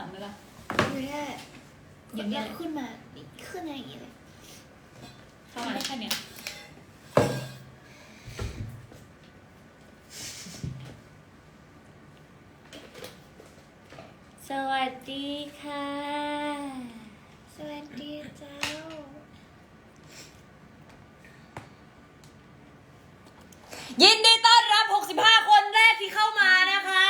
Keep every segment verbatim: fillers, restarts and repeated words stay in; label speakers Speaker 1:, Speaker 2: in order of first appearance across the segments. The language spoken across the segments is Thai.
Speaker 1: ลังไหมล่ะ
Speaker 2: ไม่ได้อย่างนี้ขึ้นมาขึ้นอะไรอย่างเงี้ยเลย
Speaker 1: เข้ามาได้แค่เนี้ยสวัสดีค่ะ
Speaker 2: สวัสดีเจ้า
Speaker 3: ยินดีต้อนรับหกสิบห้าคนแรกที่เข้ามานะคะ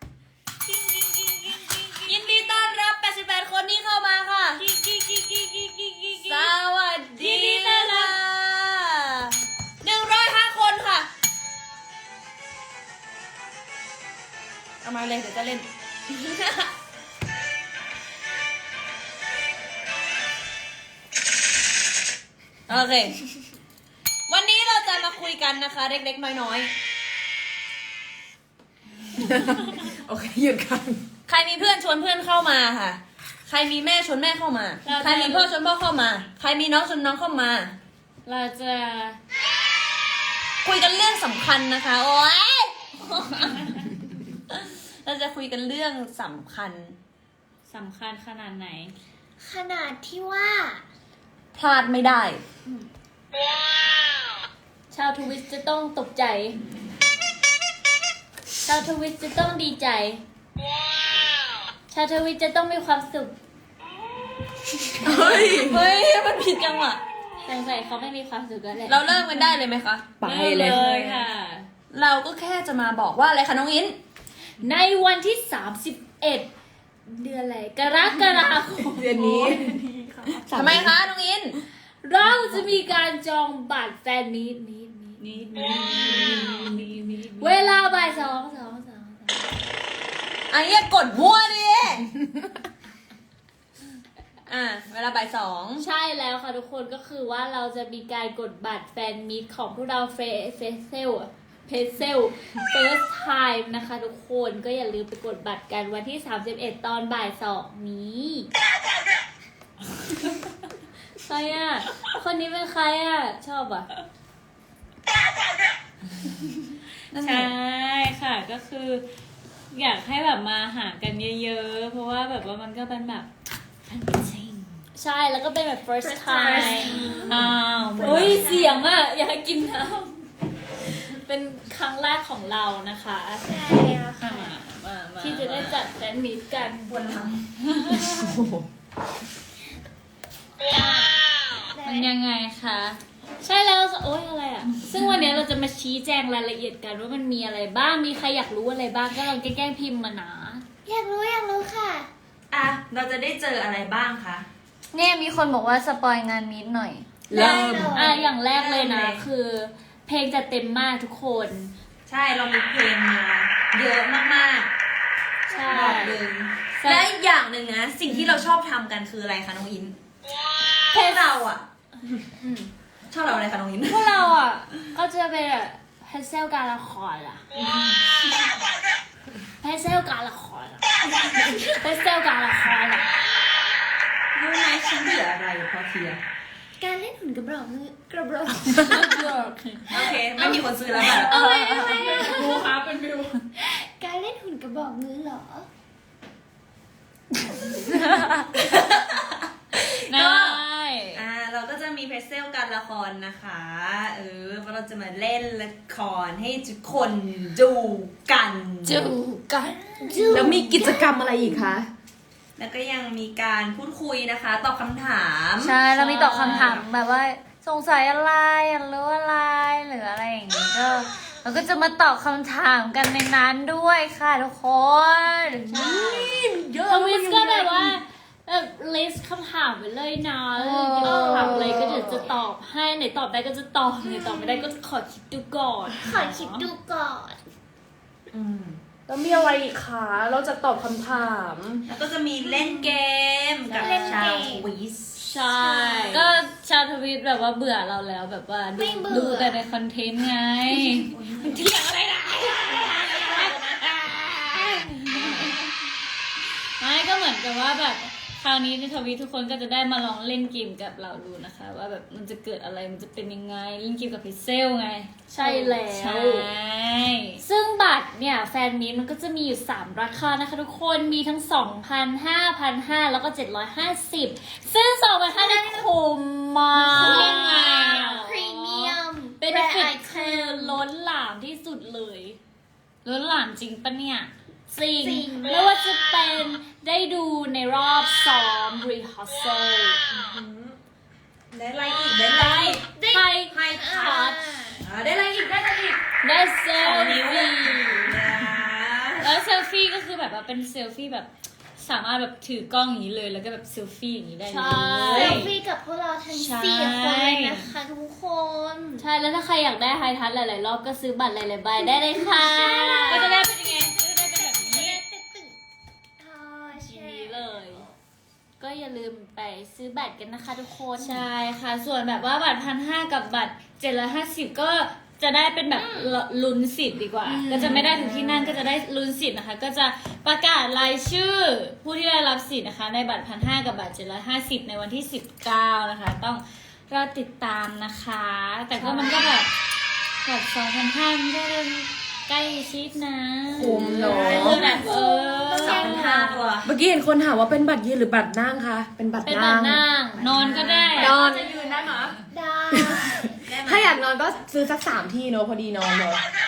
Speaker 3: ยินดีต้อนรับแปดสิบแปดคนที่เข้ามาค่ะสวัสดีค่ะหนึ่งร้อยห้าคนค่ะเอามาเลยเดี๋ยวจะเล่นโอเควันนี้เราจะมาคุยกันนะคะเล็กๆน้อยๆโอเคหยุดกันใครมีเพื่อนชวนเพื่อนเข้ามาค่ะใครมีแม่ชวนแม่เข้ามาใครมีพ่อชวนพ่อเข้ามาใครมีน้องชวนน้องเข้ามา
Speaker 1: เราจะ
Speaker 3: คุยกันเรื่องสำคัญนะคะโอ๊ยเราจะคุยกันเรื่องสำคัญ
Speaker 1: สำคัญขนาดไหน
Speaker 2: ขนาดที่ว่า
Speaker 3: พลาดไม่ได้
Speaker 1: ชาวทวิตจะต้องตกใจชาวทวิตจะต้องดีใจชาวทวิตจะต้องมีความสุข
Speaker 3: เฮ้ยเฮ้ยมันผิดจังวะ
Speaker 1: สงสัยเขาไม่มีความสุขกันแหละ
Speaker 3: เราเริ่มกันได้เลยไหมคะ
Speaker 1: ไปเลยค่ะ
Speaker 3: เราก็แค่จะมาบอกว่าอะไรคะน้องอิน
Speaker 1: ในวันที่สามสิบเอ็ดเดือนอะไรกรกฎาคม
Speaker 3: เดือนนี้ทำไมคะน้องอิน
Speaker 1: เราจะมีการจองบัตรแฟนมีตมีตมีตมีตมีตเวลาบ่ายสองสองสอง
Speaker 3: ไอ้เนี่ยกดมั่วดิอ่ะเวลาบ่ายสอง
Speaker 1: ใช่แล้วค่ะทุกคนก็คือว่าเราจะมีการกดบัตรแฟนมีตของพวกเราเฟเฟเซลเพเซล first time นะคะทุกคนก็อย่าลืมไปกดบัตรกันวันที่สามสิบเอ็ดตอนบ่ายสองนี้ใครอ่ะคนนี้เป็นใครอ่ะชอบอ่ะใช่ค่ะก็คืออยากให้แบบมาหากันเยอะๆเพราะว่าแบบว่ามันก็เป็นแบบใช่แล้วก็เป็นแบบ first time อ้าวโอ้ยเสียงอ่ะอยากกินน้ำเป็นครั้งแรกของเรานะคะ
Speaker 2: ใช่ค่ะ
Speaker 1: ที่จะได้จัดแฟนมีตกันบนหลังมันยังไงคะใช่แล้วโอ๊ยอะไรอ่ะซึ่งวันนี้เราจะมาชี้แจงรายละเอียดกันว่ามันมีอะไรบ้างมีใครอยากรู้อะไรบ้างก็ลองแกล้งพิมพ์มานะ
Speaker 2: อยากรู้อยากรู้ค่ะ
Speaker 3: อ่ะเราจะได้เจออะไรบ้างคะ
Speaker 4: เนี่ยมีคนบอกว่าสปอยงานมีตหน่อย
Speaker 3: เริ่ม
Speaker 1: อ่ะอย่างแรกเลยนะคือเพลงจะเต็มมากทุกคน
Speaker 3: ใช่เรามีเพลงมาเยอะมากๆใช่บอกเลยและอีกอย่างหนึ่งนะสิ่งที่เราชอบทำกันคืออะไรคะน้องอินเพลงเราอ่ะชอบเราอะไรคะน้องอิน
Speaker 1: พวกเราอ่ะก็จะเป็นแบบเพนเซลการละครอ่ะเพนเซลการละครอ่ะเพนเซลการละครอ่ะ
Speaker 3: รู้ไหมฉันเบื่ออะไรพอเทีย
Speaker 2: การเล่นหุ่นกระบอกมือกระบอก
Speaker 3: โอเคไม่มีคนซื้อแล้วค่ะ
Speaker 2: เอาไว้เอาไว้
Speaker 1: ดูครับเป็นวิว
Speaker 2: การเล่นหุ่นกระบอกมือเหรอ
Speaker 3: ก็อ่าเราก็จะมีเพรสเซลการละครนะคะเออเราจะมาเล่นละครให้ทุกคนดูกัน
Speaker 1: ดูกัน
Speaker 3: แล้วมีกิจกรรมอะไรอีกคะแล้วก็ยังมีการพูดคุยนะคะตอบคำถาม
Speaker 4: ใช่เรามีตอบคำถามแบบว่าสงสัยอะไรอยากรู้อะไรหรืออะไรอย่างนี้ก็เราก็จะมาตอบคำถามกันในนั้นด้วยค่ะทุกคน
Speaker 1: เยอะทวิสก็แบบว่าแบบลิสต์คำถามไปเลยนะอยากถามอะไรก็เดี๋ยวจะตอบให้ไหนตอบได้ก็จะตอบไหนตอบไม่ได้ก็ขอคิดดูก่อน
Speaker 2: ขอคิดดูก่อน
Speaker 3: อืม
Speaker 5: แล้วมีอะไรอีกคะเราจะตอบคำถาม
Speaker 3: แล้วก็จะมีเล่นเกมกับชาวทวิส
Speaker 1: ใช่ก็ชาวทวิตแบบว่าเบื่อเราแล้วแบบว่าดูดูแต่ในคอนเทนต์ไงเที่ยงอะไรนะไม่ก็เหมือนกับว่าแบบเขคราวนี้ในทวีตทุกคนก็จะได้มาลองเล่นเกมกับเราดูนะคะ ว่าแบบมันจะเกิดอะไรมันจะเป็นยังไงเล่นเกมกับพิเซลไง
Speaker 4: ใช่แล้ว
Speaker 1: ใช่
Speaker 4: ซึ่งบัตรเนี่ยแฟนมีตมันก็จะมีอยู่สามราคานะคะทุกคนมีทั้ง สองพัน ห้าพันห้าร้อย แล้วก็ เจ็ดร้อยห้าสิบ ซึ่ง สองพันห้าร้อย ได้คุ้มมาก
Speaker 1: คุ้มยังไงอ่ะ
Speaker 2: พรีเมียม
Speaker 1: เป็นฟิตคือล้นหลามที่สุดเลยล้นหลามจริงปะเนี่ยจริง
Speaker 2: จริง
Speaker 1: ไม่ว่าจะเป็นได้ดูในรอบซ้อม rehearsal
Speaker 3: ได้อะไรอีกได้อะไรอีก
Speaker 1: ใคร
Speaker 3: ให้
Speaker 1: คั
Speaker 3: คั
Speaker 1: ด
Speaker 3: ดอ่าได้อะไรอีกได้อะไรอีก
Speaker 1: ได้เซ
Speaker 3: ส
Speaker 1: ล
Speaker 3: องนิ้ว
Speaker 1: ฟี่
Speaker 3: นะ
Speaker 1: แล้วเซลฟี่ก็คือแบบว่าเป็นเซลฟี่แบบสามารถแบบถือกล้องอย่างนี้เลยแล้วก็แบบเซลฟี่อย่างนี้ได้เล
Speaker 2: เซ
Speaker 1: ย
Speaker 2: ลฟี่กับพวกเราทั้ง
Speaker 1: ใช่
Speaker 2: สี่คนเลยนะคะทุกคน
Speaker 1: ใช่แล้วถ้าใครอยากได้ไฮทัชหลายๆรอบก็ซื้อบัตรหลายๆใบได้เลยค่ะ ก็จะได้เป็นยังไงก็จะได้เป็นแบบนี้
Speaker 2: อ๋อ
Speaker 1: ที
Speaker 2: ใช่
Speaker 1: นี้เลย
Speaker 4: ก็อย่าลืมไปซื้อบัตรกันนะคะทุกคน
Speaker 1: ใช่ค่ะ ส่วนแบบว่าบัตรพันห้ากับบัตรเจ็ดร้อยห้าสิบก็จะได้เป็นแบบลุ้นสิทธิ์ดีกว่า ก็จะไม่ได้ถึงที่นั่นก็จะได้ลุ้นสิทธิ์นะคะ ก็จะประกาศรายชื่อผู้ที่ได้รับสิทธิ์นะคะ ในบัตรพันห้ากับบัตรเจ็ดร้อยห้าสิบในวันที่สิบเก้านะคะ ต้องรอติดตามนะคะ แต่ก็มันก็แบบแบบสองพันห้าไม่ได้ใกล้ชิดนะ
Speaker 5: คุ้มเนอะ
Speaker 1: คือแบบเออ
Speaker 3: สองพันห้าตัว
Speaker 5: เมื่อกี้เห็นคนถามว่าเป็นบัตรยืนหรือบัตรนั่งคะเป็นบัตร
Speaker 1: เป็นแบ
Speaker 5: นั่
Speaker 1: บ
Speaker 5: ง
Speaker 1: นั่งนอนก็ได้
Speaker 5: นอน
Speaker 3: จะยืนได้ไหม
Speaker 2: ได้
Speaker 3: ได้ไหม
Speaker 5: ถ้าอยากนอนก็ซื้อสักสามที่เนอะพอดีนอนเลย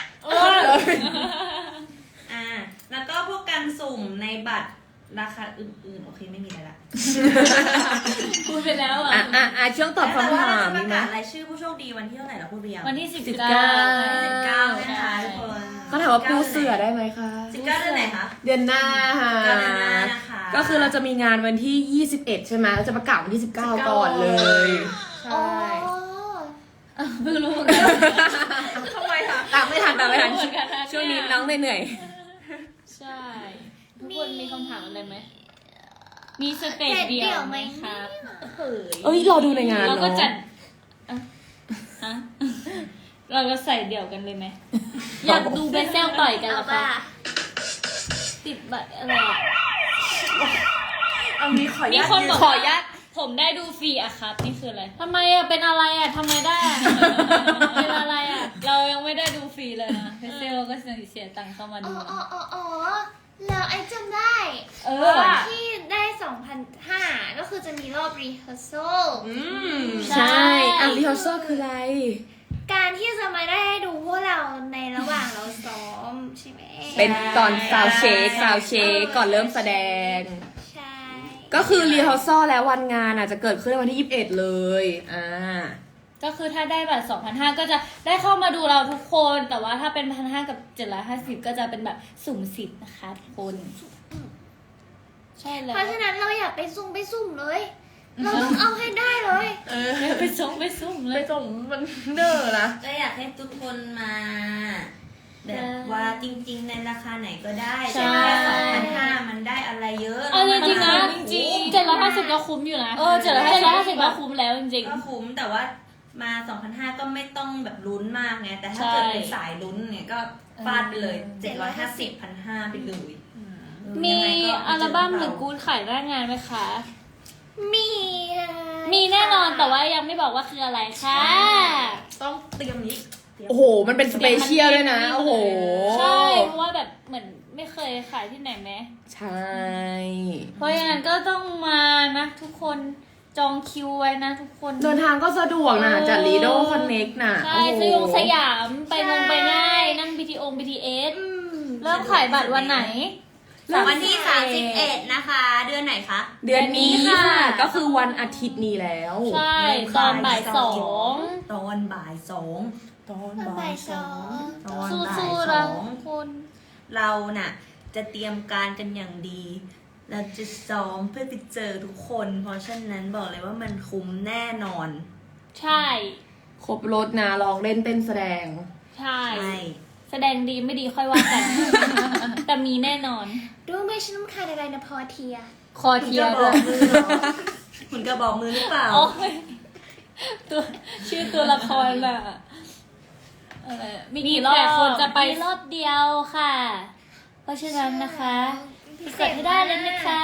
Speaker 3: อ่าแล้วก็พวกการสุ่มในบัตรราคาอื่นๆ โอเคไม่มีอะไรละ
Speaker 1: พูดไปแล้วอ่ะ
Speaker 5: อ่ะอ่ะอ่ะช่วงตอบคำถาม
Speaker 3: ป
Speaker 5: มี
Speaker 3: ระ
Speaker 5: ไหม
Speaker 3: กาศรายชื่อผู้โชคดีวันที่เท่าไหร่เราพูดไปยัง
Speaker 1: วันที่สิบ
Speaker 5: สิบ
Speaker 1: เก้า
Speaker 5: เก้า
Speaker 3: สิบเก้านะคะทุกคน
Speaker 5: เขาถามว่าปูเสือได้ไหมคะ
Speaker 3: สิบเก้าเดือนไหนคะ
Speaker 5: เดือนหน้าค่ะ
Speaker 3: เดือนหน้านะคะ
Speaker 5: ก็คือเราจะมีงานวันที่ยี่สิบเอ็ดใช่ไหมเราจะประกาศวันที่สิบเก้าก่อนเลย
Speaker 2: โอ้
Speaker 5: ใช่
Speaker 1: เพิ่งรู้เหมือนกัน
Speaker 5: ทำไมคะตามไม่ทันตามไม่ทัน
Speaker 1: เหมือนกันนะ
Speaker 5: ช่วงนี้น้องเหนื่อย
Speaker 1: ใช่ทุกคนมีคำถามอะไรไหมมีสเตจเดียวไหมครับเฮ้ย
Speaker 5: ๆเอ้ยรอดูในงาน
Speaker 1: เรา
Speaker 5: เนาะ
Speaker 1: ก็จัดอ่ะฮะเราก็ใส่เดี่ยวกันเลยไหมอยากดูเบสเซลต่อยกันเหร
Speaker 2: เอา
Speaker 1: อ
Speaker 2: ป่ะ
Speaker 1: คะติดบัตรอะไรอ่ะ
Speaker 5: เอานี้ขออนุ
Speaker 1: มี
Speaker 5: ญาต
Speaker 1: คนบอก
Speaker 5: ขอ
Speaker 1: ว่า
Speaker 5: อนุญาต
Speaker 1: ผมได้ดูฟรีอะครับนี่คืออะไรทำไมอะเป็นอะไรอะทำไมได้อะ เป็นอะไรอะเรายังไม่ได้ดูฟรีเลยนะเบสเซลก็เสียตังค์เข้ามา
Speaker 2: อ๋
Speaker 1: ดู
Speaker 2: อ
Speaker 1: นะ
Speaker 2: อ๋ออ๋ออ๋อแล้วไอ้จำได้
Speaker 1: เออ
Speaker 2: ที่ได้สองพันห้าก็คือจะมีรอบ rehearsal
Speaker 5: อืม
Speaker 1: ใช่
Speaker 5: ใช่อ่ะรีฮอร์ซอคืออะไร
Speaker 2: การที่จะมาได้ดูพวกเราในระหว่างเราซ้อมใช่ไหม
Speaker 5: เป็นตอนซาวเชคซาวเชคก่อนเริ่มแสดง
Speaker 2: ใช่
Speaker 5: ก็คือรีฮอร์ซอแล้ววันงานอ่ะจะเกิดขึ้นในวันที่ยี่สิบเอ็ดเลยอ่า
Speaker 1: ก็คือถ้าได้บัตรสองพันห้าก็จะได้เข้ามาดูเราทุกคน แต่ว่าถ้าเป็นพันห้ากับเจ็ดร้อยห้าสิบก็จะเป็นแบบสุ่มสิทธิ์นะคะทุกคน ใช่แล้ว
Speaker 2: เพราะฉะนั้นเราอยากไปซุ่มไปซุ่มเลย เราต้องเอาให้ได้เลย
Speaker 5: เออ
Speaker 1: ไปส่งไปสุ่มเล
Speaker 5: ไป
Speaker 1: ย
Speaker 5: ส่งมันเน้อนะ
Speaker 3: ก็อยากให้ทุกคนมา แบบว่าจริงๆ ในราคาไหนก็ได้
Speaker 1: ใช่
Speaker 3: แต่แค่สองพันห้ามันได้อะไรเยอะ
Speaker 1: เอาจริงๆนะ
Speaker 3: จริงๆ
Speaker 1: เจ็ดร้อยห้าสิบก็คุ้มอยู่นะเออเจ็ดร้อยห้าสิบก็คุ้มแล้วจริง
Speaker 3: ก็คุ้มแต่ว่ามา สองพันห้าร้อย ก็ไม่ต้องแบบลุ้นมากไงแต่ถ้า
Speaker 1: ใช่
Speaker 3: เกิดเป็นสายลุ้นเนี่ยก็ฟาดไปเลย เจ็ดร้อยห้าสิบ พันห้าไปเลยเออ
Speaker 1: ๆ มี
Speaker 3: ยังไงก็
Speaker 1: อัลบั้มหรือกู๊ดขายหน้างานไหมคะ
Speaker 2: มี
Speaker 1: มีแน่นอนแต่ว่ายังไม่บอกว่าคืออะไรค่ะ
Speaker 3: ต้องเตรียมนี้
Speaker 5: โอ้โห มันเป็นสเปเชียลด้วยนะ โอ้โห
Speaker 1: ใช่เพราะว่าแบบเหมือนไม่เคยขายที่ไหนไหม
Speaker 5: ใช่
Speaker 1: เพราะฉะนั้นก็ต้องมานะทุกคนจองคิวไว้นะทุกคน
Speaker 5: เดินทางก็สะดวกนะ
Speaker 1: เออ
Speaker 5: จากลีโดคอนเน็กน่ะ
Speaker 1: ใช่
Speaker 5: โอ้โห
Speaker 1: สยองสยามไปลงไปได้นั่ง บี ที โอ บี ที เอส
Speaker 2: อืม
Speaker 1: เริ่มขายบัตรวันไหน
Speaker 3: วันที่สามสิบเอ็ดนะคะ เดือนไหนคะ
Speaker 5: เดือนนี้
Speaker 1: เดือนนี้ค่ะ
Speaker 5: ค่ะ ก็คือวันอาทิตย์นี้แล้ว
Speaker 1: ใช่ตอนบ่ายสอง
Speaker 3: ตอนบ่ายสอง
Speaker 5: ตอน
Speaker 2: ตอนบ่ายสอง
Speaker 3: ตอน
Speaker 1: สู้
Speaker 3: บ่าย
Speaker 1: ๆ
Speaker 3: ส
Speaker 1: นะ
Speaker 3: อง
Speaker 1: ทุกคน
Speaker 3: เราน่ะ จะเตรียมการกันอย่างดี เราจะซ้อมเพื่อไปเจอทุกคน เพราะฉะนั้นบอกเลยว่ามันคุ้มแน่นอน
Speaker 1: ใช่
Speaker 5: ครบรถนะลองเล่นเต้นแสดง
Speaker 1: ใช่
Speaker 3: ใช่
Speaker 1: แสดงดีไม่ดีค่อยว่ากัน แต่มีแน่นอน
Speaker 2: ดูไหม่ฉันต้องการอะไรนะพอเทีย
Speaker 1: คอ
Speaker 3: คุณ
Speaker 1: เที
Speaker 3: ก
Speaker 1: ย
Speaker 3: ระบ
Speaker 1: ด้
Speaker 3: อ
Speaker 1: ว
Speaker 3: ก
Speaker 1: ย
Speaker 3: มือเหรอคุณกระบอกมือหรือเปล่า
Speaker 1: โอ้ยตัวชื่อตัวละครน่ะอะไรมีกี่รอบคนจะไปรอบเดียวค่ะ เพราะฉะนั้นนะคะกดให้ได้เลยนะคะ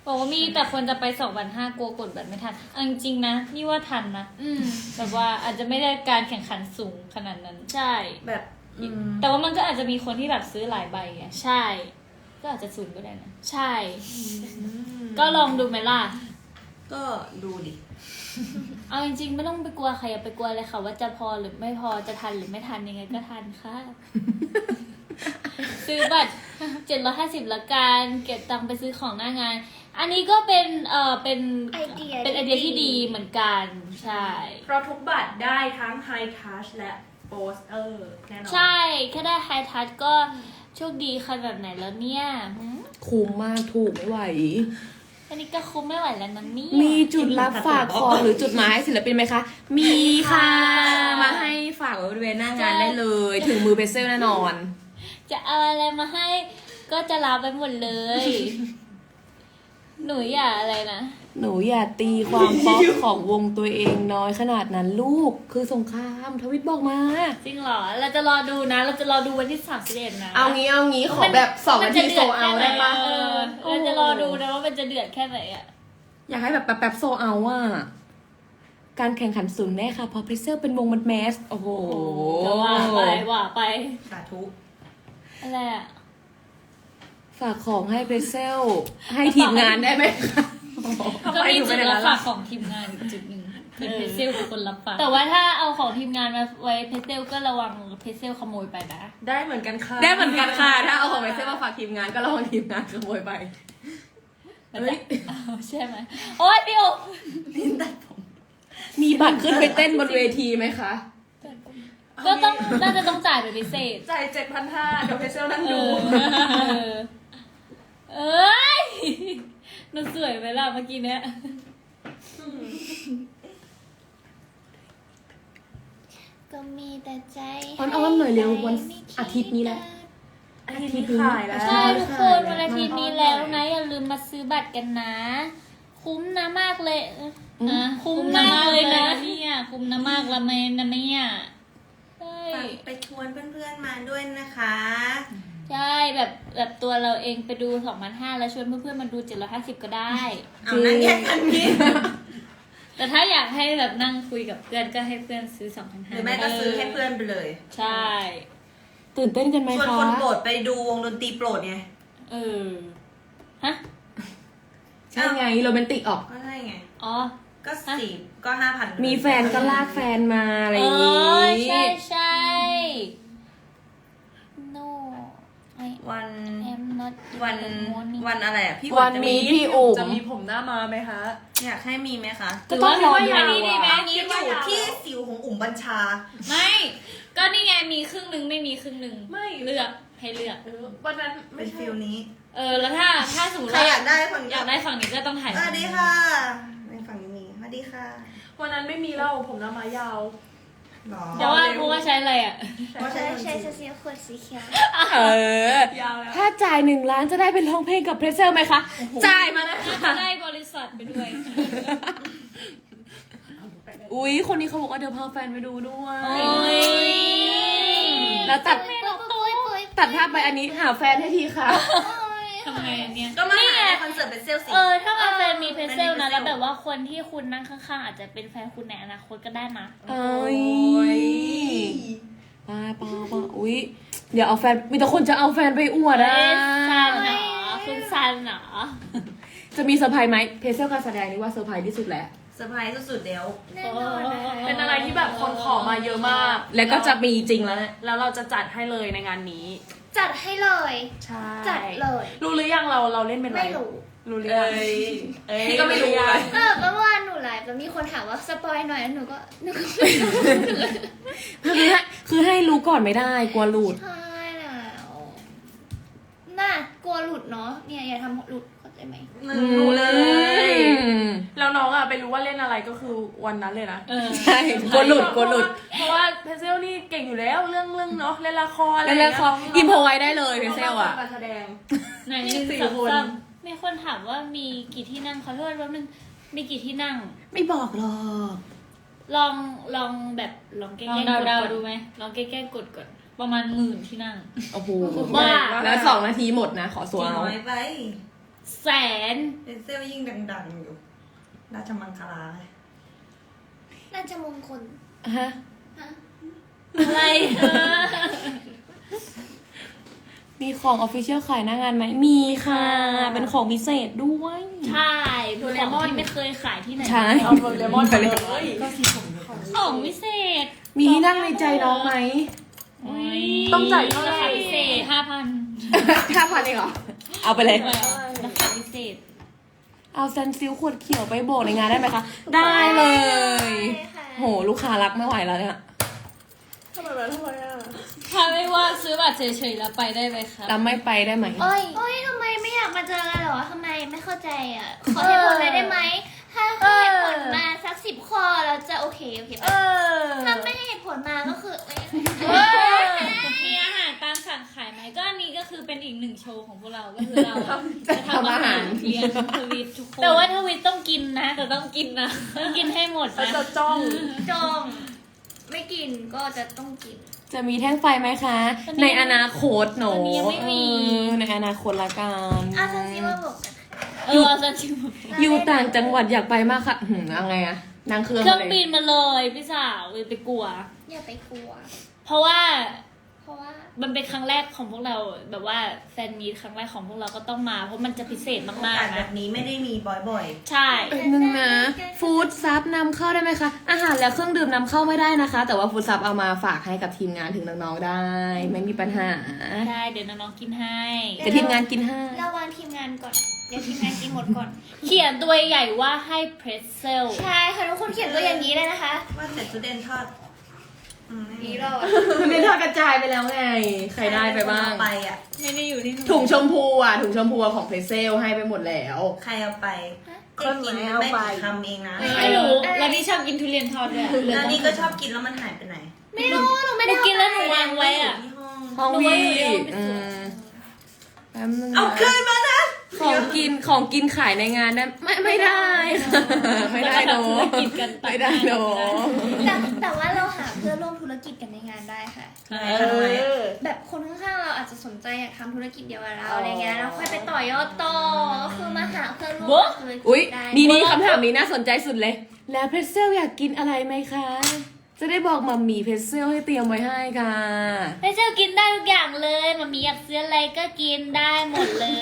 Speaker 1: บอกว่ามีแต่คนจะไปสองพันห้ากลัวกดบัตรไม่ทันเอาจริงๆนะนี่ว่าทันนะ
Speaker 2: อืม
Speaker 1: แบบว่าอาจจะไม่ได้การแข่งขันสูงขนาดนั้น
Speaker 2: ใช่
Speaker 3: แบบอืม
Speaker 1: แต่ว่ามันก็อาจจะมีคนที่แบบซื้อหลายใบไง
Speaker 2: ใช่
Speaker 1: ก็อาจจะสูงก็ได้นะ
Speaker 2: ใช่ ก็ลองดูไหมล่ะ
Speaker 3: ก็ดูดิ
Speaker 1: เอาจริงๆไม่ต้องไปกลัวใครอย่าไปกลัวเลยค่ะว่าจะพอหรือไม่พอจะทันหรือไม่ทันยังไงก็ทันค่ะ ซื้อบัตรเจ็ดร้อยห้าสิบละกันเก็บตังค์ไปซื้อของหน้างาน อันนี้ก็เป็นเอ่อเป็น
Speaker 2: ไอเดีย
Speaker 1: เป็นไอเดียที่ดีเหมือนกันใช่
Speaker 6: เพราะทุกบัตรได้ทั้ง High Touch และ Poster แน่นอน
Speaker 1: ใช่แค่ได้ไฮทัชก็โชคดีคันแบบไหนแล้วเนี่ยหืม
Speaker 5: คุ้มมากถูกไม่ไหว
Speaker 1: อันนี้ก็คุ้มไม่ไหวแล้วนะเนี่ย
Speaker 5: มีจุดรับฝากของหรือจุดหมายให้ศิลปินไหมคะ มีค่ะ มาให้ฝากไว้บริเวณหน้างานได้เลย ถึงมือเพเซลแน่นอน
Speaker 1: จะเอาอะไรมาให้ก็จะรับไปหมดเลย หนูอย่าอะไรนะ
Speaker 5: หนูอย่าตีความป๊อปของวงตัวเองน้อยขนาดนั้นลูก คือสงครามทวิตบอกมา
Speaker 1: จริงเหรอ เราจะรอดูนะ เราจะรอดูวันที่สามสิบเอ็ดนะ
Speaker 5: เอางี้เอางี้ขอแบบสองนาทีโซเอาได้ปะ
Speaker 1: เออเราจะรอดูนะว่ามันจะเดือดแค่ไหนอ่ะ
Speaker 5: อยากให้แบบแป๊บๆโซเอาอ่ะ การแข่งขันสูงแน่ค่ะ เพราะเพเซลเป็นวงมันแมส โอ้โห
Speaker 1: ก็ว่าไปว่าไป
Speaker 3: สาธุ
Speaker 1: อะไรอ่ะ
Speaker 5: ฝากของให้เพเซลให้ทีมงานได้ไหมคะ
Speaker 1: ก็มีจุดรับฝากของทีมงานอีกจุดหนึ่งคือเพเซลเป็นคนรับฝากแต่ว่าถ้าเอาของทีมงานมาไว้เพเซลก็ระวังเพเซลขโมยไปนะ
Speaker 6: ได้เหมือนกันค่ะ
Speaker 5: ได้เหมือนกันค่ะ ถ้าเอาของเพเซลมาฝากทีมงานก็ระวังทีมงานขโมยไป
Speaker 1: มันจะเอาใช่ไหมโอ๊ยพี่โอ
Speaker 5: มีบัตรขึ้นไปเต้นบนเวทีไหมคะ
Speaker 1: ก็ต้องน่าจะต้องจ่ายเป็นพิเศษ
Speaker 6: จ่ายเจ็ดพันห้าเดี๋ยวเพเซลนั่ง
Speaker 1: เอ
Speaker 6: ดู
Speaker 1: อเอ้ยหนูสวยไหมล่ะเมื่อกี้เนี้ย
Speaker 2: ก็มีแต่ใจ
Speaker 5: อ้อนๆหน่อยเร็ววันอาทิตย์นี้แหละ
Speaker 6: อาทิตย์นี้ขายแล้ว
Speaker 1: ใช่ทุกคนวันอาทิตย์นี้แล้วนะ อย่าลืมมาซื้อบัตรกันนะ คุ้มนะมากเลยนะคุ้มมากเลยนะเนี่ยคุ้มนะมากละเมนนะเนี่ยใช่
Speaker 3: ไปชวนเพื่อนๆมาด้วยนะคะ
Speaker 1: ใช่แบบแบบตัวเราเองไปดูสองพันห้าแล้วชวนเพื่อนๆมาดูเจ็ดร้อยห้าสิบก็ได้
Speaker 3: เอานั่งแยกกันนี้
Speaker 1: แต่ถ้าอยากให้แบบนั่งคุยกับเพื่อนก็ให้เพื่อนซื้อสองพัน
Speaker 3: ห
Speaker 1: ห้า
Speaker 3: รือแม่ก็ซื้อให้เพื่อนไปเลย
Speaker 1: ใช่
Speaker 5: ตื่นเต้นกันไหม
Speaker 3: ชวน
Speaker 5: คะ
Speaker 3: คนโปรดไปดูวงดนตรีโปรดไง
Speaker 1: เออฮะ
Speaker 5: ใช่ไงโรแมนติกออก
Speaker 3: ก็ใช่ไง
Speaker 1: อ๋อ
Speaker 3: ก็สี่ก็ห้าพัน
Speaker 5: มีแฟนก็ลากแฟนมาอะไร
Speaker 1: เอ
Speaker 5: อย่าง
Speaker 1: อ
Speaker 5: งี้
Speaker 1: ใช่ใช่ no I
Speaker 3: วัน
Speaker 1: am not
Speaker 3: วัน
Speaker 1: in the morning
Speaker 3: วันอะไรอ่ะพี่
Speaker 5: วัน
Speaker 3: จะ
Speaker 5: มีพี่อุ๋ม
Speaker 6: จะมีผมหน้ามาไหมคะ
Speaker 3: อยากให้มีไหมคะ
Speaker 5: ก็ต้องรอ
Speaker 1: หรื
Speaker 5: ยา
Speaker 1: ว่นี่
Speaker 5: ว
Speaker 1: ดีไหม
Speaker 5: อะ
Speaker 3: อันนี้อยู่ที่สิวของอุ๋มบัญชา
Speaker 1: ไม่ ก็นี่ไงมีครึ่งหนึ่งไม่มีครึ่งหนึ่ง
Speaker 6: ไม่
Speaker 1: เลือกให้เลือก
Speaker 6: เออวันนั้นไม่
Speaker 3: เป็น
Speaker 6: ใช่
Speaker 3: ฟิลนี้
Speaker 1: เออแล้วถ้าถ้าสมมติ
Speaker 3: ใคร
Speaker 1: ว่า
Speaker 3: อยากได้ฝั่ง
Speaker 1: อยากได้ฝั่งนี้ก็ต้องถ่าย
Speaker 3: สวัสดีค่ะในฝั่งนี้มีสวัสดีค่ะ
Speaker 6: วันนั้นไม่มีเล่าผมหน้ามายาว
Speaker 3: หรอ
Speaker 1: เพราะว่าเพราะว่าใช้อะไรอ่ะ
Speaker 3: เพราะ
Speaker 2: ใช่
Speaker 3: ใช่
Speaker 2: ใช่ใช่สีขวดสีเขียว
Speaker 5: เออ
Speaker 6: ยาวแล้ว
Speaker 5: ถ้าจ่ายหนึ่งล้านจะได้เป็นร้องเพลงกับเพรสเซลไหมคะ จ่ายมานะ
Speaker 1: จะ
Speaker 5: คะ
Speaker 1: ได้บริษัทไปด้วย
Speaker 5: อุ๊ย คนนี้เขาบอกว่าเดี๋ยวพาแฟนไปดูด้วย
Speaker 1: โอ้ย
Speaker 5: แล้วตัด
Speaker 2: ปุ้ยปุ้ยปุ้ย
Speaker 5: ตัดภาพไปอันนี้หาแฟนให้ทีค่ะ
Speaker 1: ทำไงอันเนี่ย
Speaker 3: ก็มา
Speaker 1: นี่
Speaker 3: หา
Speaker 1: ไง
Speaker 3: ในคอนเสิร์ตเป็นเซลล์สิ
Speaker 1: เออถ้ามาแฟนมีเพรสเซลนะ
Speaker 3: เป็นเพรสเซล
Speaker 1: แล้วแบบว่าคนที่คุณนั่งข้างๆอาจจะเป็นแฟนคุณในอนาคตก็ได้นะ
Speaker 5: เอ้ยป้าป้าป้าอุ๊ย เดี๋ยวเอาแฟน มีแต่คนจะเอาแฟนไปอวด
Speaker 1: เอ้
Speaker 5: อ่ะ
Speaker 1: ยซันเหรอคุณซันเหรอ
Speaker 5: จะมีเซอร์ไพรส์ไหมเพรสเซลการแสดงนี่ว่าเซอร์ไพรส์ที่สุดแล้ว
Speaker 3: เซอร์ไพรส์สุดๆแล้ว
Speaker 2: แน่นอนนะคะ
Speaker 6: เป็นอะไรที่แบบคนขอมาเยอะมาก
Speaker 5: แล้วก็จะมีจริงแล้ว
Speaker 6: แล้วเราจะจัดให้เลยในงานนี้
Speaker 2: จัดให้เลย
Speaker 6: ใช่
Speaker 2: จัดเลย
Speaker 6: รู้หรือยังเราเราเล่นเป็นอะไร
Speaker 2: ไม่รู้
Speaker 6: รู้หรือยัง
Speaker 5: นี่ก็ไม่รู้เลย
Speaker 2: เออเมื่อวานหนูไลฟ์แล้วมีคนถามว่าสปอยหน่อยหนูก็หนูก็
Speaker 5: คือให้คือให้รู้ก่อนไม่ได้กลัวหลุด
Speaker 2: ใช่แล้วน่ากลัวหลุดเนาะเนี่ยอย่าทำหลุดเข้าใจไหม
Speaker 6: รู้เลย
Speaker 5: อืม
Speaker 6: แล้วน้องอะไปรู้ว่าเล่นอะไรก็คือวันนั้นเลยนะ
Speaker 1: เออ
Speaker 5: ใช่กลัวหลุดกลัวหลุด
Speaker 6: เพราะว่าเพเซลนี่เก่งอยู่แล้วเรื่องเรื่องเนาะเล่นละครอะไร
Speaker 5: แล้วแล้วเขาอิมพอไว้ได้เลยเพรสเซลอ่ะ
Speaker 6: การแสดง
Speaker 1: ไหนหนึ่ง
Speaker 6: สี่
Speaker 1: สอง
Speaker 6: คน
Speaker 1: สามมีคนถามว่ามีกี่ที่นั่งขอโทษแป๊บนึงมีกี่ที่นั่ง
Speaker 5: ไม่บอกหรอก
Speaker 1: ลองลองแบบลองแกล้งๆกด
Speaker 4: เดา
Speaker 1: ก่อน
Speaker 4: ๆดูไหม
Speaker 1: ลองแกล้งๆกดก่อนประมาณหมื่นที่นั่ง
Speaker 5: โอ้โห
Speaker 1: บ้า
Speaker 5: แล้วสองนาทีหมดนะ ขอ
Speaker 3: จ
Speaker 5: สัว
Speaker 3: ริง
Speaker 5: เอา
Speaker 3: น้อยไป
Speaker 1: แสน
Speaker 3: เป็นเซลยิ่งดังๆอยู่ราชมังคลาไง
Speaker 2: น่าจะมงคล
Speaker 5: ฮะ
Speaker 2: ฮะ
Speaker 1: อะไรเออ
Speaker 5: มีของออฟฟิเชียลขายหน้างานไหมมีค่ะ เป็นของพิเศษด้วย
Speaker 1: ใช่โดเรมอนที่ไม่เคยขายที่ไหน
Speaker 5: ใช่
Speaker 6: เอาโดเรมอนไปเลย
Speaker 1: ของพิเศษ
Speaker 5: มีที่นั่งในใจน้องไหม
Speaker 6: ต้องจ่ายเท่าไหร่
Speaker 1: ราคาพิเศษห้าพัน
Speaker 5: ห้าพันเองเหรอ เอาไปเลย
Speaker 1: ราคาพิเศษ
Speaker 5: เอาซันซิลขวดเขียวไปโบกในงานได้ไหมคะ ได้เลย
Speaker 2: ค่ะ
Speaker 5: โห ลูกค้ารักไม่ไหวแล้วเนี่ย
Speaker 6: ทำไมแบบทำไมอ่ะ
Speaker 1: ถ้าไม่ว่าซื้อบัตรเฉยๆแล้วไปได้ไหมครับ
Speaker 5: แล้วไม่ไปได้ไหม
Speaker 2: โอ้ยโอ้ยทำไมไม่อยากมาเจอกันเหรอทำไมไม่เข้าใจอ่ะ ขอเหตุผลเลยได้ไหม ถ้าให้เหตุผลมาสักสิบข้อเราจะโอเคโอเค
Speaker 6: เอ
Speaker 2: ปะ
Speaker 6: อ
Speaker 2: ถ้าไม่ให้เหตุผลมาก็คือเอ้ย
Speaker 1: มีอาหารตามสั่งขายไหมก็อันนี้ก็คือเป็นอีกหนึ่งโชว์ของพวกเรา ก็คือเรา
Speaker 5: จะทำอาหาร
Speaker 1: เลี้ยงทวิตทุกคน แต่ว่าทวิตต้องกินนะ แต่ต้องกินนะ ต้องกินให้หมด
Speaker 6: เขา
Speaker 1: นะ
Speaker 6: จะจ้อง
Speaker 2: จองไม่กินก็จะต้องกิน
Speaker 5: จะมีแท่งไฟไหมคะ ในอนาคตหนูเออในอนาคตละกัน
Speaker 2: อ่ะซันซิว่าบอกกัน
Speaker 1: เออเอาซะชิม
Speaker 5: อยู่ต่างจังหวัดอยากไปมากค่ะหืมเอาไงอะนั่งเครื่อง
Speaker 1: เครื่อง
Speaker 5: มา
Speaker 1: บิ
Speaker 5: เลย
Speaker 1: นมาเลยพี่สาวเลยไปกลัว
Speaker 2: อย่าไปกลัว
Speaker 1: เพราะว่า
Speaker 2: เพราะว่า
Speaker 1: มันเป็นครั้งแรกของพวกเราแบบว่าแฟนมีตครั้งแรกของพวกเราก็ต้องมา เพราะมันจะพิเศษ
Speaker 3: โอ
Speaker 1: มาก
Speaker 3: กาส
Speaker 1: ๆ
Speaker 3: แบ
Speaker 1: นะ
Speaker 3: บนี้ไม่ได้มีบ่อย
Speaker 1: ใช่
Speaker 5: แป๊บนึงนะ ฟู้ดซับนำเข้าได้ไหมคะ อาหารและเครื่องดื่มนำเข้าไม่ได้นะคะ แต่ว่าฟู้ดซับเอามาฝากให้กับทีมงานถึงน้องๆได้ ไม่มีปัญหา
Speaker 1: ได้เดี๋ยวน้องๆกินให้
Speaker 5: แต่ทีมงานกินให้
Speaker 2: เราวางทีมงานก่อน เดี๋ยวทีมงานกินหมดก่อน
Speaker 1: เขียนตัวใหญ่ว่าให้เพรสเซล
Speaker 2: ใช่ค่ะทุกคนเขียนตัวอย่างนี้เลยนะคะ
Speaker 3: ๆ ว่าแต่จุดเด่นทอดอืมไม่มี
Speaker 2: นี่เราอะ
Speaker 5: มันเป็นทอดกระจายไปแล้วไง ใครได้ไปบ้าง
Speaker 3: ไปอ่ะ
Speaker 1: ไม่ได้อยู่ที่หนู
Speaker 5: ถุงชมพูอ่ะ ถุงชมพูของเพรสเซลให้ไปหมดแล้ว
Speaker 3: ใครเอาไป
Speaker 6: ค
Speaker 3: เจ๊
Speaker 6: น
Speaker 3: กิน
Speaker 6: ไหน
Speaker 3: ไม่
Speaker 6: เอาไป
Speaker 3: กี่คำเองนะ
Speaker 1: ไม่รู้แล้วนี่ชอบกินทุเรียนทอดด้วย
Speaker 3: แล้วนี่ก็ชอบกินแล้วมันหายไปไหน
Speaker 2: ไม่รู้หนูไม่
Speaker 1: หนู
Speaker 2: ได้
Speaker 1: กินแล้วหนูวางไว้อะ
Speaker 3: ที่ห้อง
Speaker 5: ห้อง
Speaker 1: หนู
Speaker 5: วี
Speaker 1: ว่าหนูยอมไป
Speaker 5: อื
Speaker 1: ซื้อ
Speaker 5: มแป๊บนึงนะ
Speaker 3: เอาคืนมานะ
Speaker 5: ของกินของกินขายในงานได้ไม่ไม่ได้ค่ะไม่ได้โน
Speaker 1: แล้วก็ทำธุรกิจกันต่าง
Speaker 5: ไม่ได้โน
Speaker 2: แต่แต่ว่าเราหาเพื่อนร่วมธุรกิจกันในงานได้ค่ะ
Speaker 1: ใช่
Speaker 6: เออ
Speaker 2: แบบคนข้างๆเราอาจจะสนใจอยากทำธุรกิจเดียวกับเราอะไรเงี้ยแล้วค่อยไปต่อยอดต่อก็คือมาหาเพื่อนร่วมธุรกิ
Speaker 5: อุ๊ย
Speaker 2: จได้
Speaker 5: นี่นี่คำถามนี้น่าสนใจสุดเลย แล้วเพรสเซลอยากกินอะไรไหมคะ จะได้บอกมัมมี่เพรสเซลให้เตรียมไว้ให้ค่ะ
Speaker 1: เพรสเซลกินได้ทุกอย่างเลยมันมีอยากซื้ออะไรก็กินได้หมดเลย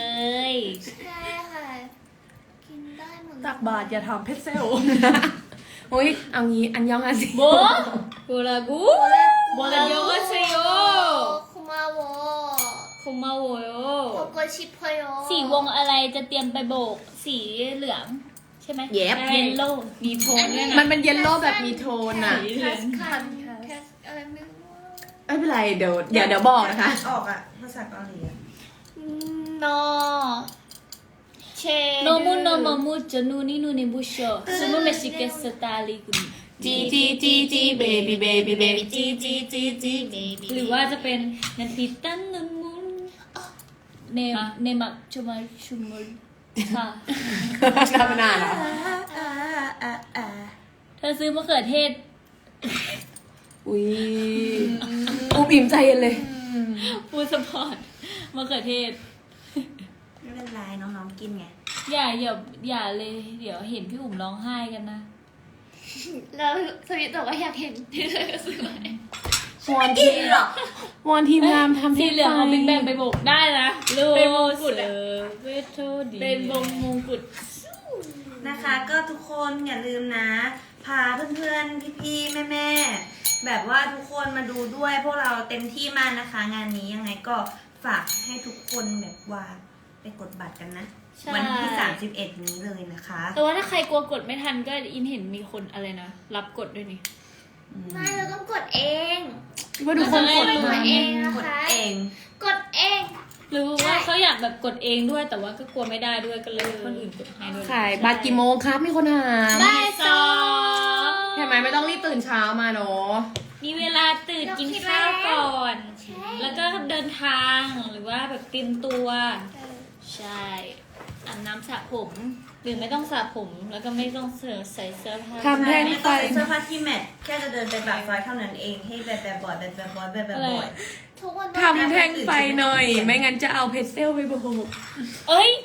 Speaker 2: ใช่ค่ะ กินได้หมดเลย
Speaker 6: ตักบาทอย่าทำเพชรเซล
Speaker 5: อุ้ยเอางี้อันยองอาซิ
Speaker 1: โบโบลากูโบลาโยก็เชโย
Speaker 2: คุมาโว
Speaker 1: คุมาโวโย
Speaker 2: โกโกชิพโย
Speaker 1: สีวงอะไรจะเตรียมไปโบก สีเหลือง ใช่ไหม
Speaker 5: เย็บ
Speaker 1: เยลโล่มีโทนด้วย
Speaker 5: มั
Speaker 1: นะ
Speaker 5: นเป็นเยลโล่แบบมีโทนอ่ะ
Speaker 1: สีเหลื
Speaker 2: คั
Speaker 1: อง
Speaker 2: สคันแคสอะไรไม่รู้
Speaker 5: ไม่เป็นไรเดี๋ยวเดี๋ยวเดี๋ยวบอกนะคะ
Speaker 3: ออกอ่ะภาษาเกาหลีอะ
Speaker 2: นอเช
Speaker 1: โนมุโนโมมุจนูนินูนิบุโชซูมุเมชิเกสตาลิกุมิ
Speaker 5: จีจีจีจีเบบี้เบบี้เบบี้จีจีจีจีเบบี้
Speaker 1: หรือว่าจะเป็นนันทิตันนุนมุนเนมเนมักชมาชุมุลค่ะ
Speaker 5: ทำนานเหรอ
Speaker 3: อ่าอ่าอ่า
Speaker 1: เธอซื้อมะเขือเทศ
Speaker 5: อุ้ยอุบอิ่มใจเย็นเลย
Speaker 1: ฟูดสปอร์ตมะเขือเทศ
Speaker 3: ไม่เป็นไรน้องๆกินไง
Speaker 1: อย่าอย่าอย่าเลย เดี๋ยวเห็นพี่อุ๋มร้องไห้กันนะ
Speaker 2: แล้วสวิตบอกว่าอยากเห็นที่เธอซื้อไหม
Speaker 5: วอนทีมวอนทีมงานทำ
Speaker 1: สี
Speaker 5: ให้
Speaker 1: เหลืองเอาบิ๊กแบง
Speaker 5: ไป
Speaker 1: ไปโบกได้นะลู
Speaker 6: เป็นมงกุฎอะ
Speaker 1: เวทโทดีเป็นวงมงกุฎ
Speaker 3: นะคะ ก็ทุกคนอย่าลืมนะ พาเพื่อนๆ พี่ๆ แม่ๆ แบบว่าทุกคนมาดูด้วยพวกเราเต็มที่มากนะคะ งานนี้ยังไงก็ฝากให้ทุกคนแบบว่าไปกดบัตรกันนะ วันที่สามสิบเอ็ดนี้เลยนะคะ
Speaker 1: แต่ว่าถ้าใครกลัวกดไม่ทันก็อินเห็นมีคนอะไรนะ รับกดด้วยนี่
Speaker 2: ไม่เราต้องกดเอง
Speaker 5: ว่าทุกคนกด
Speaker 2: ก
Speaker 5: มา
Speaker 2: ดเองนะ
Speaker 3: กด
Speaker 2: คะ
Speaker 3: เอง
Speaker 2: กดเอง
Speaker 1: หรือว่าเขาอยากแบบกดเองด้วย แต่ว่าก็กลัวไม่ได้ด้วยก็เลยให้คนอื่นกดให้ด้วย
Speaker 5: ขายบัตรกี่โมงครับมีคนถาม
Speaker 1: ได้สอง
Speaker 5: ใช่ไหมไม่ต้องรีบตื่นเช้ามาเนาะ
Speaker 1: มีเวลาตื่นกินข้าวก่อน
Speaker 2: ใช่
Speaker 1: แล้วก็เดินทางหรือว่าแบบเตรียมตัว ใช่อาบน้ำสระผม หรือไม่ต้องสระผม แล้วก็ไม่ต้องเสื้อใส่เสื้อผ้า
Speaker 5: ทำแท่ง
Speaker 3: ไม่
Speaker 5: ไฟ
Speaker 3: ต้องใส่เสื้อผ้าที่แมทแค่จะเดินไปแบบไฟเท่านั้นเองให้แบบแบบบ่อยแบบแบบบ่อยแบบแบบบ่อย
Speaker 2: ทุกคน
Speaker 5: ทำแท่งไฟหน่อย ไม่งั้นจะเอาเพชรเซลไปโบก
Speaker 1: เอ้ย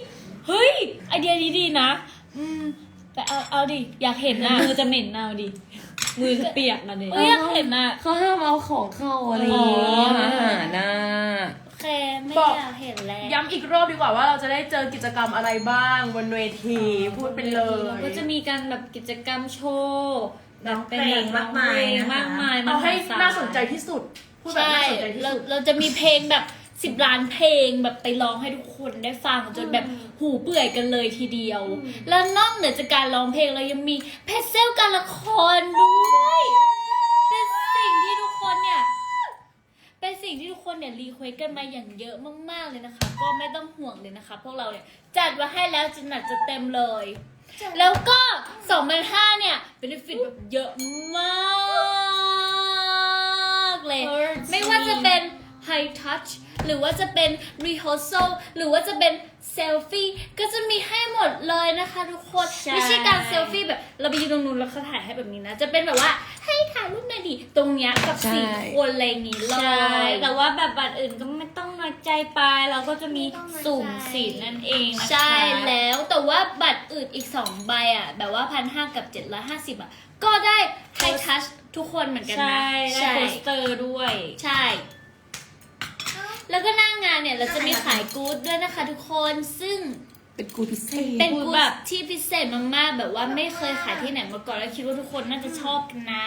Speaker 1: เฮ้ยไอเดียนี้ดีนะ อืมแต่เอาเอาดิอยากเห็นนะมือจะเหม็นเอาดิมือจะเปียกมาดิเอ้ยอยากเห็นอ่ะ
Speaker 5: เขาห้ามเอาของเข้าอะไรอย่างเงี้ยอาหารน่ะ
Speaker 1: โอเคไม่
Speaker 6: บอก
Speaker 1: อยากเห็นแล้ว
Speaker 6: ย้ำอีกรอบดีกว่าว่าเราจะได้เจอกิจกรรมอะไรบ้างบนเวทีพูดไปเลย
Speaker 1: ก็จะมีการแบบกิจกรรมโชว์แบบเป็นแบบ
Speaker 3: มากมายนะคะ
Speaker 1: มากมาย
Speaker 6: เอาให้
Speaker 1: มหศล
Speaker 6: น่าสนใจที่สุดพูดแบบ
Speaker 1: ใช่
Speaker 6: น่าสนใจที่
Speaker 1: เรา
Speaker 6: สุด
Speaker 1: เราจะมีเพลงแบบสิบล้านเพลงแบบไปร้องให้ทุกคนได้ฟังจนแบบหูเปื่อยกันเลยทีเดียว แล้วนอกเหนือจากการร้องเพลงเรายังมีเพจเซลการละครด้วยเป็นสิ่งที่ทุกคนเนี่ยเป็นสิ่งที่ทุกคนเนี่ยรีเควสกันมาอย่างเยอะมากๆเลยนะคะ ก็ไม่ต้องห่วงเลยนะคะ พวกเราเนี่ยจัดมาให้แล้วจะหนักจะเต็มเลย แล้วก็สองพันห้าเนี่ยเป็นฟิตแบบเยอะมากเลย ไม่ว่าจะเป็น High Touch หรือว่าจะเป็น Rehearsal หรือว่าจะเป็น Selfie ก็จะมีให้หมดเลยนะคะทุกคน
Speaker 4: ใช่
Speaker 1: ไม่ใช่การ Selfie แบบเราไปยืนตรงนู้นแล้วเขาถ่ายให้แบบนี้นะ จะเป็นแบบว่าให้ถ่ายรูปหน่อยดิตรงเนี้ยกับสี่คนอะไรอย่างนี้เล
Speaker 4: ใช่
Speaker 1: ย
Speaker 4: แต่ว่าแบบบัตรอื่นก็ไม่ต้องน้อยใจไปเราก็จะมีสุ่มสิทธิ์นั่นเองนะคะ
Speaker 1: ใช่แล้วแต่ว่าบัตรอื่นอีกสองใบอ่ะแบบว่าพันห้ากับเจ็ดร้อยห้าสิบอ่ะก็ได้ High Touch ทุกคนเหมือนกัน
Speaker 4: ใช่
Speaker 1: นะ
Speaker 4: ได้โปสเตอร์ด้วย
Speaker 1: ใช่ แล้วก็หน้างานเนี่ยเราจะมีขายกู๊ดด้วยนะคะทุกคนซึ่ง
Speaker 5: เป็นกูพิเศษ
Speaker 1: เป็นกู๊ดที่พิเศษมากๆแบบว่าไม่เคยขายที่ไหนมาก่อนแล้วคิดว่าทุกคนน่าจะชอบกันนะ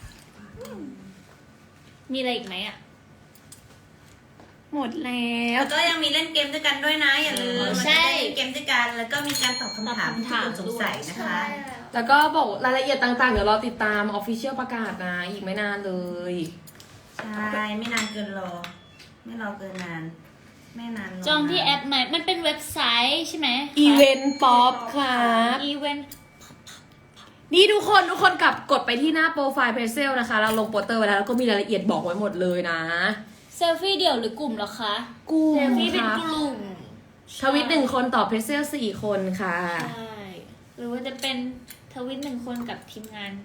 Speaker 1: มีอะไรอีกไหมอ่ะ
Speaker 5: หมดแล้ว
Speaker 3: แล้วก็ยังมีเล่นเกมด้วยกันด้วยนะ อย่าลืม
Speaker 1: ใช่
Speaker 3: มันจะได้เล่นเกมด้วยกันแล้วก็มีการตอบคำถามที่คุณสงสัยนะคะ
Speaker 5: แล้วก็บอกรายละเอียดต่างๆ เดี๋ยวเราติดตามออฟฟิเชียลประกาศนะ อีกไม่นานเลย
Speaker 3: ใช่ไม่นานเกินรอ ไม่รอเกินนาน ไม่นานร
Speaker 1: จองที่แอปไหมมันเป็นเว็บไซต์ใช่ไหม
Speaker 5: อีเวนต์ป๊อปครับ
Speaker 1: อีเวนต์
Speaker 5: นี่ทุกคนทุกคนกลับกดไปที่หน้าโปรไฟล์เพจเซลนะคะ เราลงโปสเตอร์ไว้แล้วแล้วก็มีรายละเอียดบอกไว้หมดเลยนะ
Speaker 1: เซลฟี่เดี่ยวหรือกลุ่มเหรอคะ
Speaker 5: กู
Speaker 1: เซลฟี่เป็น
Speaker 5: ครับ
Speaker 1: กลุ่ม
Speaker 5: ทวิตหนึ่งคนต่อเพจเซลสี่คนค่ะ
Speaker 1: ใช่หรือว่าจะเป็นทวิตหนึ่งคนกับทีมงาน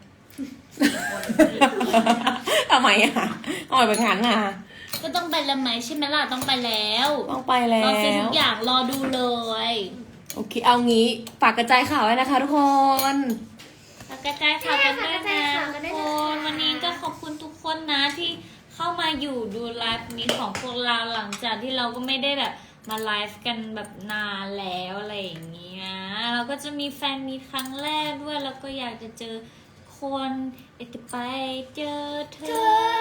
Speaker 5: ทำไมอ่ะอ่อยแบบนั้นอ่ะ
Speaker 1: ก็ต้องไปแล้วไหมใช่ไหมล่ะต้องไปแล้ว
Speaker 5: ต้องไปแล้
Speaker 1: รอซื้อทุ
Speaker 5: ว
Speaker 1: กอย่างรอดูเลย
Speaker 5: โอเค เอางี้ฝากกระจายข่าวไว้นะคะทุกคน
Speaker 1: แล้วกระจายข่าวกันด้วย
Speaker 2: กระจาย
Speaker 1: นะ
Speaker 2: ข่าวกันด้
Speaker 1: ทุ
Speaker 2: วย
Speaker 1: ก
Speaker 2: นะ
Speaker 1: คนวันนี้ก็ขอบคุณทุกคนนะที่เข้ามาอยู่ดูไลฟ์นี้ของพวกเราหลังจากที่เราก็ไม่ได้แบบมาไลฟ์กันแบบนานแล้วอะไรอย่างเงี้ยเราก็จะมีแฟนมีครั้งแรกด้วยแล้วก็อยากจะเจอคนอยากจะไปเจอเธอ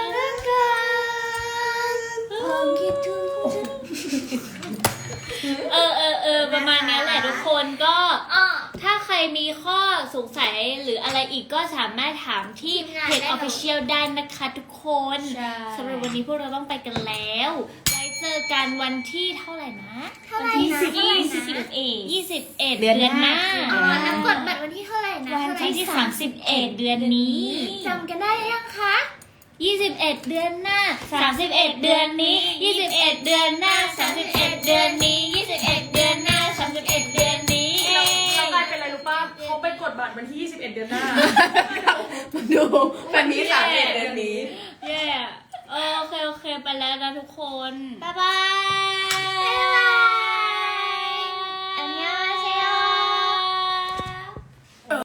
Speaker 2: ผมคิดถึงคุณ
Speaker 1: เออเออเออประมาณเนี้ยแหละทุกคนก็
Speaker 2: อ้อ
Speaker 1: ถ้าใครมีข้อสงสัยหรืออะไรอีกก็สามารถถามที่
Speaker 2: ทีมงาน
Speaker 1: เพจ
Speaker 2: ได้เลย
Speaker 1: Official ได้นะคะทุกคน
Speaker 4: ใช่
Speaker 1: สำหรับวันนี้พวกเราต้องไปกันแล้ว ไว้เจอกันวันที่เท่าไหร่นะ
Speaker 2: เท่าไหร่
Speaker 1: ที่
Speaker 2: นะ
Speaker 1: สิบ
Speaker 2: เท่าไหร่
Speaker 1: ยี่สิบ
Speaker 2: นะ
Speaker 1: เอ็ดยี่สิบเอ็ด
Speaker 5: เดื
Speaker 1: เดื
Speaker 5: อ
Speaker 1: อน น
Speaker 5: ห
Speaker 1: ห
Speaker 5: น้า
Speaker 1: น้า
Speaker 2: อ๋อแล้วกดบัตรวันที่เท่าไหร่นะ
Speaker 1: วัน
Speaker 2: เท่าไหร่
Speaker 1: ที่สามสิบเอ็ดเดือนนี้
Speaker 2: จำกันได้ยังคะ
Speaker 1: ยี่สิบเอ็ดเดือนหน้าสามสิบเอ็ดเดือนนี้ยี่สิบเอ็ดเดือนหน้าสามสิบเอ็ดเดือนนี้ยี่สิบเอ็ดเดือนหน้าสามสิบเอ็ดเดือนนี้
Speaker 6: เราเรากลายเป็นอะไรรู้ป่ะเขาไปกดบัตรวันที่ยี่สิบเอ็ดเดือนหน้า
Speaker 5: ดูแบบนี้สามเอ็ดเดือนนี้
Speaker 1: เย่เออโอเคโอเคไปแล้วนะทุกคน
Speaker 2: บ๊ายบาย